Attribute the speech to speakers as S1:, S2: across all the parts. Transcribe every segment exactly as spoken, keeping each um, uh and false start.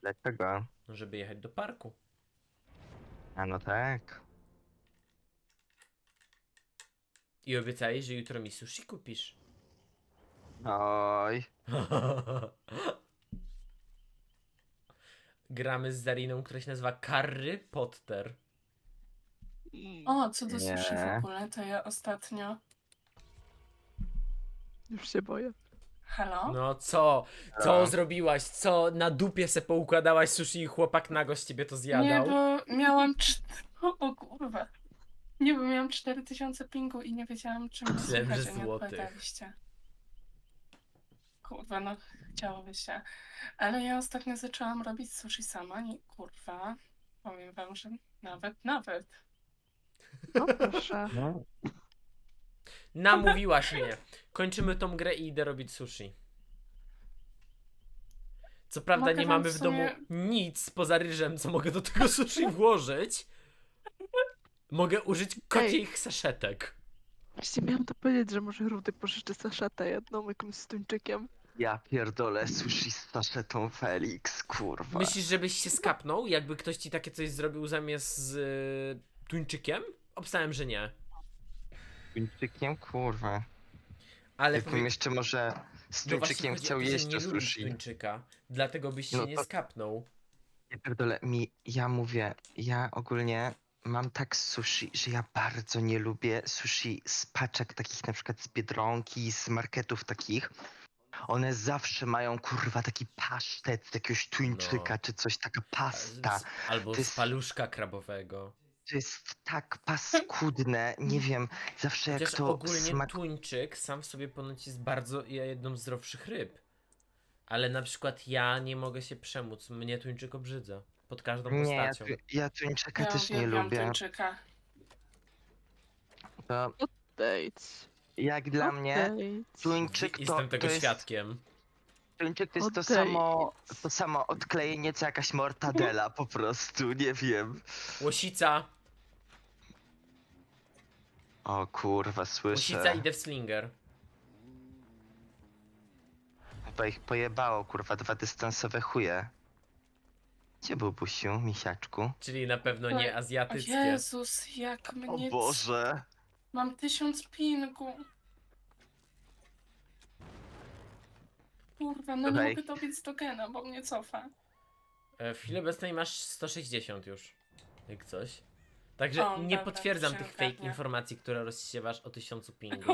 S1: Dlaczego?
S2: Żeby jechać do parku.
S1: A no tak.
S2: I obiecałeś, że jutro mi sushi kupisz.
S1: Oj.
S2: Gramy z Zariną, która się nazywa Karry Potter.
S3: O, co do sushi w
S1: Nie.
S3: ogóle, to ja ostatnio...
S4: Już się boję.
S3: Halo?
S2: No co? Co
S1: Halo?
S2: zrobiłaś? Co na dupie se poukładałaś sushi i chłopak nago z ciebie to zjadał?
S3: Nie, bo miałam... czt- O, o kurwa. Nie, bo miałam cztery tysiące pingu i nie wiedziałam, czym
S2: Myślałem,
S3: słychać,
S2: że
S3: a nie
S2: złotych.
S3: odpowiadaliście. Kurwa, no chciałoby się. Ale ja ostatnio zaczęłam robić sushi sama i kurwa, powiem wam, że nawet, nawet.
S4: No proszę.
S1: No.
S2: Namówiłaś mnie. Kończymy tą grę i idę robić sushi. Co prawda
S3: Mogę
S2: nie
S3: wam
S2: mamy
S3: w
S2: w domu
S3: sumie-
S2: nic poza ryżem, co mogę do tego sushi włożyć. Mogę użyć kocich saszetek.
S4: Właśnie miałam to powiedzieć, że może Rudy pożyczy saszetę jedną jakimś z tuńczykiem.
S1: Ja pierdolę sushi z saszetą Felix, kurwa.
S2: Myślisz, żebyś się skapnął, jakby ktoś ci takie coś zrobił zamiast z y, tuńczykiem? Obstałem, że nie.
S1: Tuńczykiem, kurwa.
S2: Ale
S1: Jakbym
S2: powie...
S1: jeszcze może z
S2: no właśnie
S1: tuńczykiem
S2: chodzi o
S1: chciał
S2: to, że
S1: jeść
S2: nie
S1: to
S2: lubisz
S1: sushi.
S2: tuńczyka. Dlatego byś się
S1: No
S2: nie
S1: to-
S2: skapnął.
S1: Ja pierdolę, mi, ja mówię, ja ogólnie mam tak z sushi, że ja bardzo nie lubię sushi z paczek takich na przykład z Biedronki, z marketów takich. One zawsze mają kurwa taki pasztet z jakiegoś tuńczyka
S2: No.
S1: czy coś, taka pasta.
S2: Z- Albo
S1: to
S2: z
S1: jest-
S2: paluszka krabowego.
S1: To jest tak paskudne, nie wiem, zawsze jak
S2: Chociaż
S1: to
S2: ogólnie
S1: smak...
S2: tuńczyk sam w sobie ponoć jest bardzo jedną z zdrowszych ryb. Ale na przykład ja nie mogę się przemóc. Mnie tuńczyk obrzydza. Pod każdą
S1: Nie, ja,
S2: postacią.
S1: tu- ja tuńczyka
S3: Ja
S1: też nie
S3: uwielbiam
S1: lubię.
S3: tuńczyka.
S1: To
S4: Odejdź.
S1: jak dla mnie
S4: Odejdź.
S1: tuńczyk to,
S2: Jestem tego
S1: to jest...
S2: świadkiem.
S1: Tuńczyk to jest to
S4: Odejdź.
S1: samo, to samo odklejenie co jakaś mortadela po prostu, nie wiem.
S2: Łosica.
S1: O kurwa, słyszę.
S2: Łosica idę w slinger.
S1: Chyba ich pojebało, kurwa, dwa dystansowe chuje. Gdzie był Busiu, misiaczku?
S2: Czyli na pewno nie
S3: O
S2: azjatyckie.
S3: Jezus, jak mnie...
S1: O Boże.
S3: Mam tysiąc pingu. Kurwa, no nie
S1: Dawaj.
S3: mogę dobiec do gena, bo mnie cofa.
S2: E, W chwili obecnej masz sto sześćdziesiąt już. Jak coś. Także
S3: O,
S2: nie
S3: dobra,
S2: potwierdzam
S3: się
S2: tych fake
S3: ogarnia.
S2: informacji, które rozsiewasz o tysiącu pingu.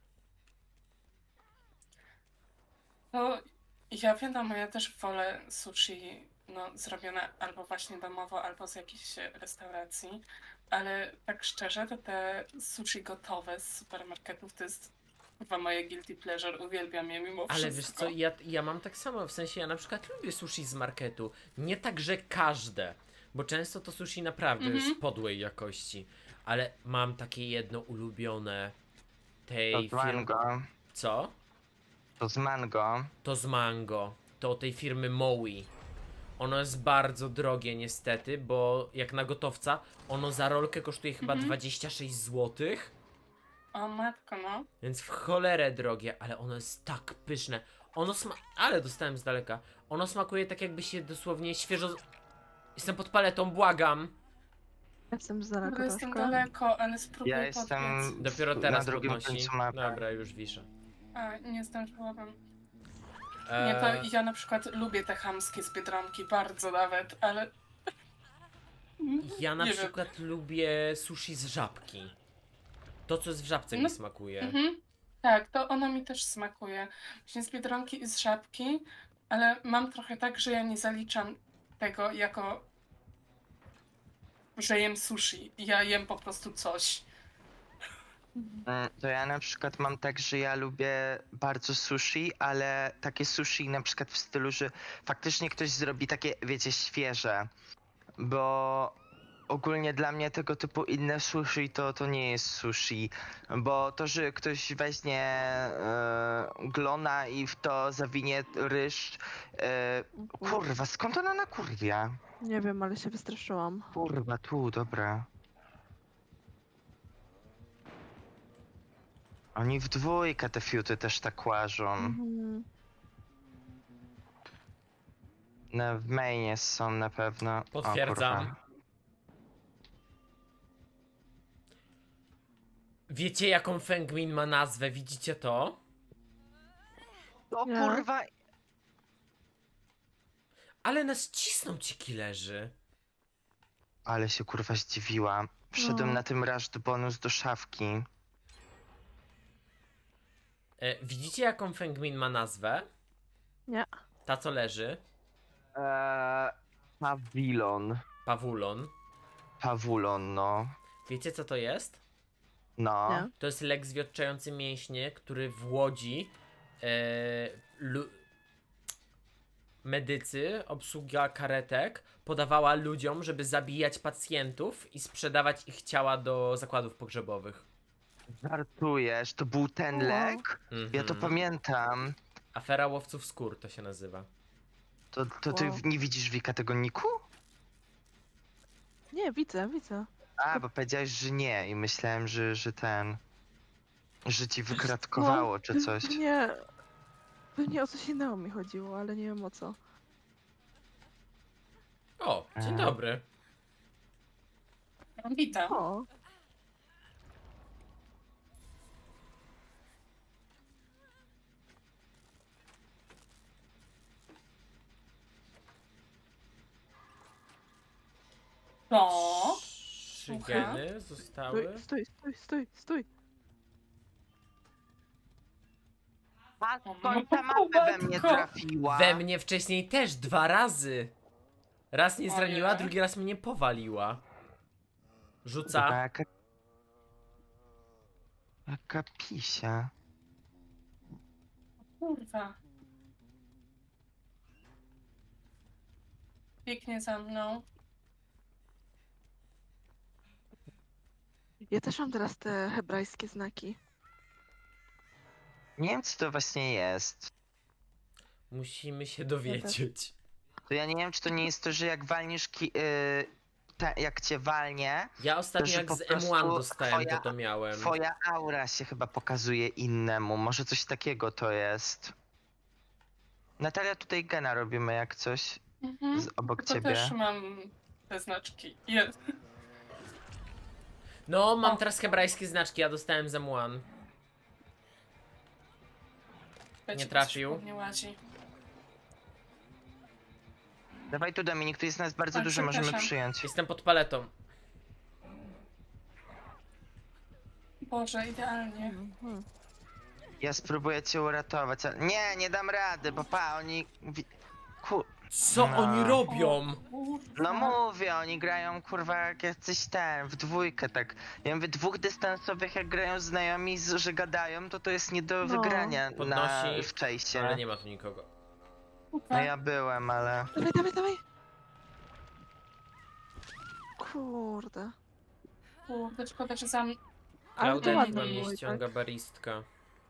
S3: No, ja wiadomo, ja też wolę sushi no, zrobione albo właśnie domowo, albo z jakiejś restauracji, ale tak szczerze, to te sushi gotowe z supermarketów to jest chyba moje guilty pleasure, uwielbiam je mimo
S2: Ale
S3: wszystko.
S2: wiesz co, ja, ja mam tak samo, w sensie ja na przykład lubię sushi z marketu. Nie tak, że każde, bo często to sushi naprawdę
S3: Mhm.
S2: jest podłej jakości. Ale mam takie jedno ulubione
S1: To
S2: tej
S1: z
S2: firmy.
S1: mango.
S2: Co?
S1: To z mango.
S2: To z mango. To tej firmy Mowi. Ono jest bardzo drogie niestety, bo jak na gotowca, ono za rolkę kosztuje chyba
S3: Mhm.
S2: dwadzieścia sześć złotych.
S3: O matko, no.
S2: Więc w cholerę drogie, ale ono jest tak pyszne. Ono sma... Ale dostałem z daleka. Ono smakuje tak jakby się dosłownie świeżo... z- Jestem pod paletą, błagam.
S4: Jestem z
S3: Dobra,
S4: daleka
S3: jestem
S4: troszkę.
S3: daleko, ale spróbuję
S1: Ja jestem
S3: podbiec.
S2: Dopiero
S1: na
S2: teraz
S1: drugim
S2: podnosi.
S1: końcu mapy.
S2: Dobra, już wiszę.
S3: A, nie zdążyłabym. Nie,
S2: Eee,
S3: to ja na przykład lubię te chamskie z Biedronki, bardzo nawet, ale...
S2: ja na
S3: nie wiem.
S2: przykład lubię sushi z żabki. To, co jest w żabce
S3: No,
S2: mi smakuje.
S3: Mhm. Tak, to ono mi też smakuje. Właśnie z Biedronki i z Żabki, ale mam trochę tak, że ja nie zaliczam tego jako, że jem sushi. Ja jem po prostu coś.
S1: Mm, To ja na przykład mam tak, że ja lubię bardzo sushi, ale takie sushi na przykład w stylu, że faktycznie ktoś zrobi takie, wiecie, świeże. Bo ogólnie dla mnie tego typu inne sushi to, to nie jest sushi. Bo to, że ktoś weźmie e, glona i w to zawinie ryż. E, kurwa, skąd ona nakurwia?
S4: Nie wiem, ale się wystraszyłam.
S1: Kurwa, tu, dobra. Oni w dwójkę te fiuty też tak łażą.
S4: Mhm.
S1: No, w mainie są na pewno. O,
S2: Potwierdzam.
S1: kurwa.
S2: Wiecie, jaką Fengmin ma nazwę? Widzicie to?
S1: O
S4: Nie.
S1: kurwa!
S2: Ale nas cisną ci killerzy.
S1: Ale się kurwa zdziwiła. Wszedłem
S4: No.
S1: na tym rushed bonus do szafki.
S2: E, widzicie, jaką Fengmin ma nazwę?
S4: Nie.
S2: Ta, co leży.
S1: Eee, pawilon.
S2: Pawulon.
S1: Pawulon, no.
S2: Wiecie, co to jest?
S1: No.
S4: Nie.
S2: To jest lek zwiotczający mięśnie, który w Łodzi e, lu- medycy, obsługa karetek podawała ludziom, żeby zabijać pacjentów i sprzedawać ich ciała do zakładów pogrzebowych.
S1: Żartujesz, to był ten
S4: Wow.
S1: lek? Ja to
S2: Mhm.
S1: pamiętam.
S2: Afera łowców skór to się nazywa.
S1: To, to ty
S4: Wow.
S1: nie widzisz, Wika, tego niku?
S4: Nie, widzę, widzę.
S1: A, bo powiedziałeś, że nie i myślałem, że, że ten... Że ci wykratkowało czy coś.
S4: Nie. Pewnie o coś innego mi chodziło, ale nie wiem o co.
S2: O, dzień
S1: E.
S2: dobry.
S3: Witam.
S4: O,
S3: To.
S2: Trzy
S3: Słucham?
S2: geny zostały.
S4: stój, stój, stój, stój, stój.
S1: A
S3: skąd
S1: skąd
S3: ta
S1: ta
S3: mapę
S1: mapę
S3: we
S1: we
S3: mnie
S1: mnie
S3: trafiła?
S1: trafiła?
S2: We mnie wcześniej też dwa razy. Raz mnie zraniła,
S3: Ojej.
S2: drugi raz mnie powaliła.
S1: Kurwa,
S2: Rzuca.
S1: jaka... Jaka pisia.
S3: Kurwa. Biegnie za mną.
S4: Ja też mam teraz te hebrajskie znaki.
S1: Nie wiem, co to właśnie jest.
S2: Musimy się dowiedzieć.
S1: To ja nie wiem, czy to nie jest to, że jak walniesz ki... Yy, te, jak cię walnie,
S2: Ja ostatnio
S1: że
S2: jak
S1: po
S2: z M jeden
S1: prostu
S2: dostałem,
S1: twoja-
S2: to to miałem.
S1: twoja aura się chyba pokazuje innemu. Może coś takiego to jest. Natalia, tutaj gena robimy jak coś
S3: Mhm.
S1: z, obok
S3: To
S1: ciebie.
S3: też mam te znaczki. Jest.
S2: No, mam
S3: O.
S2: teraz hebrajskie znaczki, ja dostałem z M jeden.
S3: Leci,
S2: trafił.
S3: Nie łazi.
S1: Dawaj tu, Dominik, tu jest nas bardzo
S3: Oj,
S1: dużo, możemy
S3: przepraszam.
S1: przyjąć.
S2: Jestem pod paletą.
S3: Boże, idealnie.
S4: Mhm.
S1: Ja spróbuję cię uratować, ale... Nie, nie dam rady, bo pa, oni... wi- Ku...
S2: Co
S1: No.
S2: oni robią?
S3: Kurwa.
S1: No mówię, oni grają kurwa jak jacyś ten, w dwójkę tak. Ja mówię, dwóch dystansowych jak grają znajomi, z- że gadają, to to jest nie do
S4: No.
S1: wygrania na,
S2: Podnosi,
S1: w Chase'ie.
S2: Ale nie ma tu nikogo.
S3: Kurwa.
S1: No ja byłem, ale...
S4: Dawaj, dawaj, dawaj. Kurde.
S3: Kurde, szkoda, że za mną.
S4: Ale to
S2: Klaudia
S4: ładnie
S2: chyba
S4: było
S2: mnie
S4: i tak.
S2: ściąga baristka.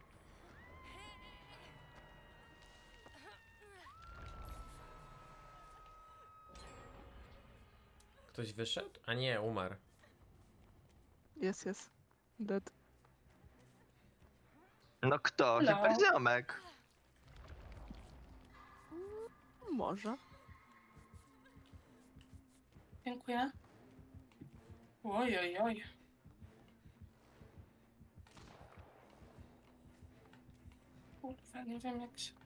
S2: Ktoś wyszedł? A nie, umarł.
S4: Jest, jest. Dead.
S1: No kto?
S3: No.
S1: Chyba ziomek.
S4: Może.
S3: Dziękuję. Oj, oj, oj. Kurwa, nie wiem jak się...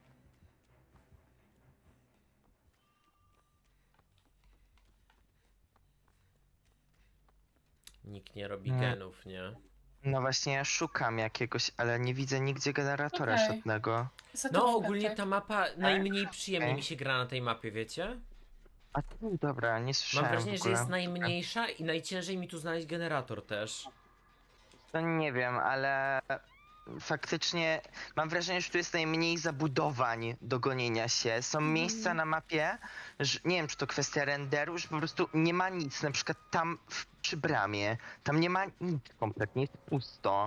S2: Nikt nie robi
S1: Nie.
S2: genów, nie?
S1: No właśnie ja szukam jakiegoś, ale nie widzę nigdzie generatora
S3: Okej.
S1: żadnego.
S3: Za
S2: No
S3: tobą,
S2: ogólnie
S3: Piotrek.
S2: ta mapa najmniej przyjemnie
S1: Okej.
S2: mi się gra na tej mapie, wiecie?
S1: A tu, dobra, nie
S2: Mam
S1: słyszałem
S2: wrażenie,
S1: w
S2: że
S1: ogóle.
S2: jest najmniejsza i najciężej mi tu znaleźć generator też.
S1: To nie wiem, ale faktycznie mam wrażenie, że tu jest najmniej zabudowań do gonienia się. Są
S4: Mhm.
S1: miejsca na mapie, że nie wiem, czy to kwestia renderu, że po prostu nie ma nic. Na przykład tam w, przy bramie, tam nie ma nic kompletnie, jest pusto.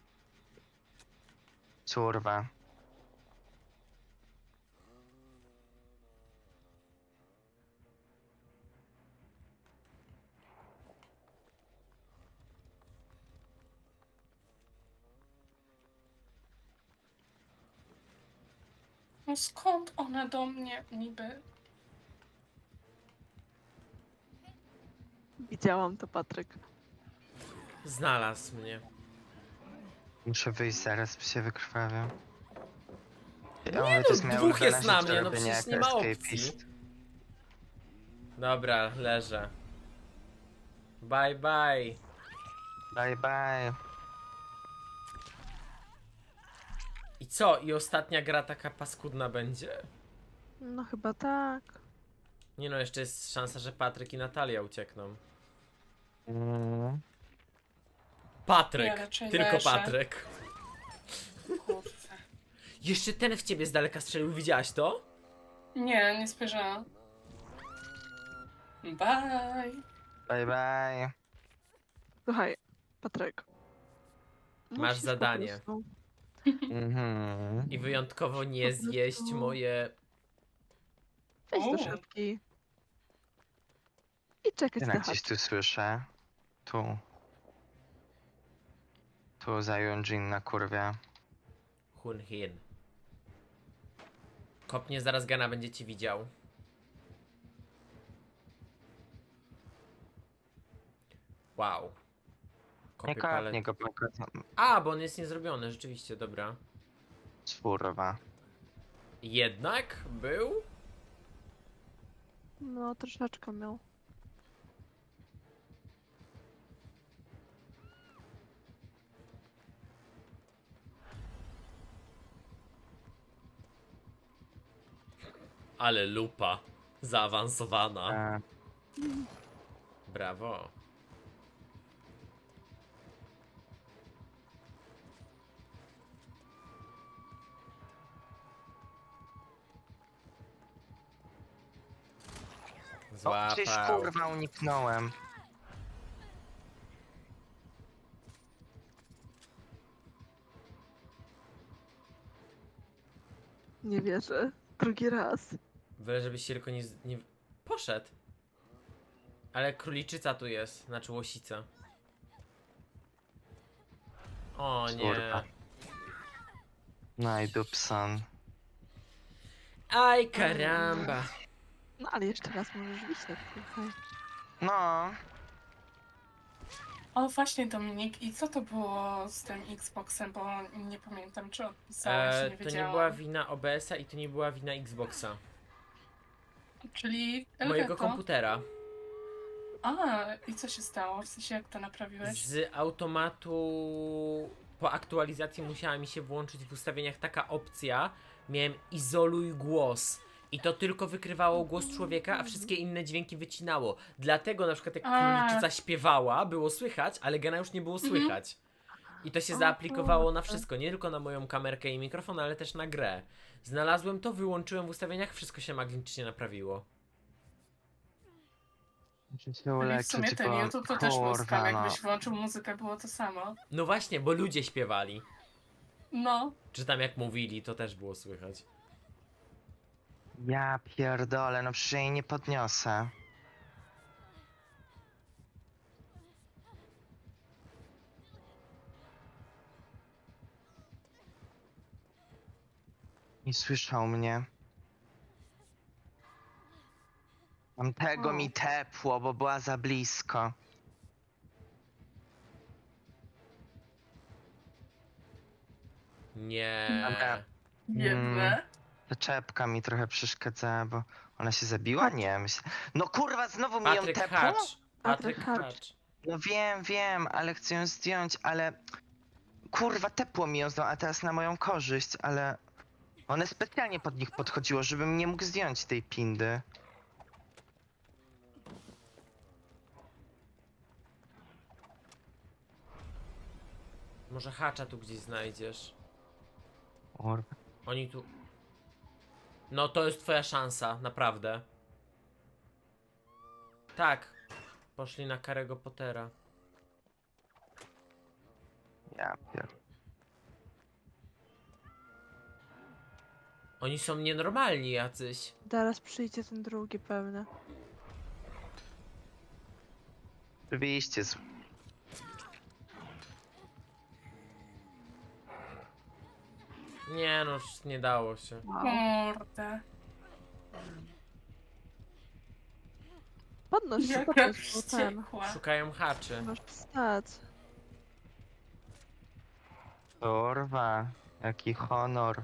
S1: Kurwa.
S3: No skąd one do mnie niby
S4: Widziałam to, Patryk.
S2: Znalazł mnie.
S1: Muszę wyjść zaraz, bo się wykrwawię. Ja
S2: Nie
S1: mówię,
S2: no,
S1: to jest moja
S2: dwóch jest
S1: ulubiona
S2: na
S1: rzecz,
S2: mnie, no
S1: robienie
S2: przecież
S1: jako
S2: nie ma opcji.
S1: escapist.
S2: Dobra, leżę. Bye bye.
S1: Bye bye.
S2: I co? I ostatnia gra taka paskudna będzie?
S4: No chyba tak.
S2: Nie no, jeszcze jest szansa, że Patryk i Natalia uciekną.
S1: Mm.
S2: Patryk!
S3: Ja raczej
S2: Tylko
S3: leżę.
S2: Patryk.
S3: Kurczę.
S2: Jeszcze ten w ciebie z daleka strzelił, widziałaś to?
S3: Nie, nie spojrzałam. Bye.
S1: Bye bye.
S4: Słuchaj, Patryk.
S2: Masz
S4: musisz po
S2: zadanie.
S4: prostu-
S1: Mhm.
S2: I wyjątkowo nie
S4: Po prostu-
S2: zjeść moje...
S4: Wejdź do
S3: O.
S4: szafki. I czekać
S1: Ja
S4: na
S1: gdzieś
S4: chat.
S1: tu słyszę. Tu. Tu za Yunjin na kurwie.
S2: Hun Hin. Kopnie zaraz Gana, będzie ci widział. Wow.
S1: Nie
S2: Kopie palet.
S1: kopnie go, tylko
S2: A, bo on jest niezrobiony, rzeczywiście, dobra.
S1: czwórwa.
S2: Jednak był?
S4: No, troszeczkę miał.
S2: Ale lupa. Zaawansowana.
S1: E,
S2: Brawo.
S1: O, gdzieś
S2: Złapał.
S1: kurwa uniknąłem.
S4: Nie wierzę. Drugi raz.
S2: Byle żebyś się tylko nie, z- nie... Poszedł. Ale króliczyca tu jest, znaczy łosica. O nie.
S1: Kurwa. No i Dubson.
S2: Aj karamba.
S4: No ale jeszcze raz możesz wisieć. Słuchaj.
S1: No,
S3: O, właśnie Dominik, i co to było z tym Xboxem, bo nie pamiętam, czy odpisałeś,
S2: E,
S3: nie
S2: to nie
S3: wiedziałam.
S2: była wina O B S-a i to nie była wina Xboxa.
S3: Czyli
S2: Mojego
S3: Elgato.
S2: komputera.
S3: A, i co się stało? W sensie, jak to naprawiłeś?
S2: Z automatu po aktualizacji musiała mi się włączyć w ustawieniach taka opcja. Miałem izoluj głos. I to tylko wykrywało głos człowieka, a wszystkie inne dźwięki wycinało. Dlatego na przykład jak
S3: A.
S2: króliczyca śpiewała, było słychać, ale Gena już nie było
S3: Mhm.
S2: słychać. I to się
S4: O
S2: zaaplikowało na
S4: Boże.
S2: wszystko, nie tylko na moją kamerkę i mikrofon, ale też na grę. Znalazłem to, wyłączyłem w ustawieniach, wszystko się magicznie naprawiło.
S1: muszę się
S3: Czyli w
S1: uleczyć,
S3: sumie ten
S1: bo
S3: YouTube to też był skam,
S1: kurwa, no.
S3: jakbyś włączył muzykę, było to samo.
S2: No właśnie, bo ludzie śpiewali.
S3: No,
S2: Czy tam jak mówili, to też było słychać.
S1: Ja pierdolę, no przecież ja jej nie podniosę. Nie słyszał mnie. Mam tego
S4: O.
S1: mi tepło, bo była za blisko.
S2: Nie.
S1: Dobra.
S3: biedne.
S1: Ta czepka mi trochę przeszkadzała, bo ona się zabiła? Nie, myślę. No kurwa, znowu mi ją
S2: Patryk
S1: tepło?
S2: Hacz. Patryk
S4: Patryk Hacz.
S2: Hacz.
S1: No wiem, wiem, ale chcę ją zdjąć, ale... Kurwa, tepło mi ją znowu, a teraz na moją korzyść, ale... One specjalnie pod nich podchodziło, żebym nie mógł zdjąć tej pindy.
S2: Może Hacza tu gdzieś znajdziesz.
S1: Kurwa.
S2: Oni tu... No to jest twoja szansa, naprawdę. Tak. Poszli na Karego Pottera.
S1: Ja pier...
S2: Oni są nienormalni jacyś.
S4: Zaraz przyjdzie ten drugi pewnie.
S1: Oczywiście, z...
S2: Nie no, już nie dało się.
S4: Wow.
S3: Kurde.
S4: podnoś się,
S3: Jaka
S4: podnoś, bo ten.
S3: wściekła.
S2: Szukają haczy.
S4: Masz wstać.
S1: Kurwa, jaki honor.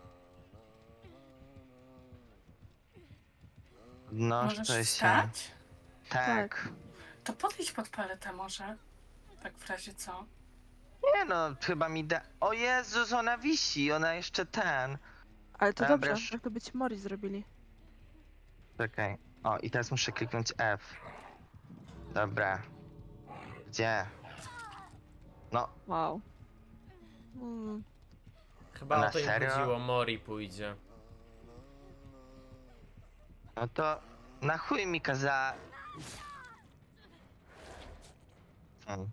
S3: Możesz
S1: Podnoszę się.
S3: wstać?
S1: Tak.
S4: Tak.
S3: To podejdź pod paletę może. Tak w razie co?
S1: Nie no, chyba mi da... O Jezus, ona wisi, ona jeszcze ten.
S4: Ale to
S1: Dobra,
S4: dobrze,
S1: sz-
S4: tak to by ci Mori zrobili.
S1: Czekaj. O, i teraz muszę kliknąć F. Dobra. Gdzie? No,
S4: Wow. Mm.
S2: Chyba
S1: Na
S2: o to im
S1: serio?
S2: chodziło, Mori pójdzie.
S1: no to na chuj mi kaza... Hmm.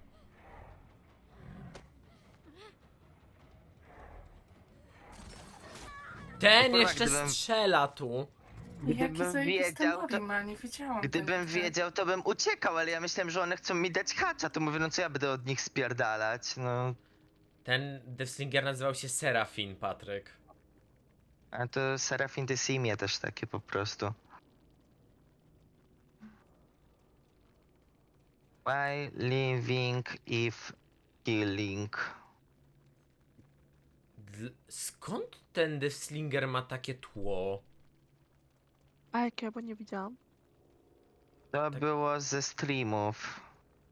S2: Ten
S1: kurwa,
S2: jeszcze
S1: gdybym-
S2: strzela tu.
S3: Jaki
S1: Gdybym
S3: zajebisty
S1: wiedział,
S3: Mori
S1: to...
S3: ma, nie wiedziałam
S1: Gdybym
S3: tego.
S1: wiedział, to bym uciekał, ale ja myślałem, że one chcą mi dać hacza, to mówię, no co ja będę od nich spierdalać, no...
S2: Ten Deathslinger nazywał się Serafin, Patryk.
S1: A to Serafin de Simie też takie po prostu. Why living if killing?
S2: Dl- Skąd ten Deathslinger ma takie tło?
S4: A jak ja bo nie widziałam.
S1: To
S2: Tak.
S1: było ze streamów.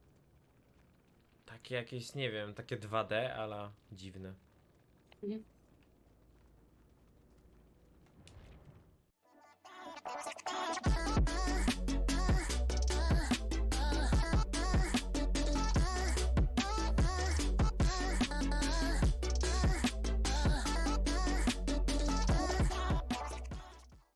S2: Takie jakieś, nie wiem, takie dwa D, ale dziwne.
S3: Mhm.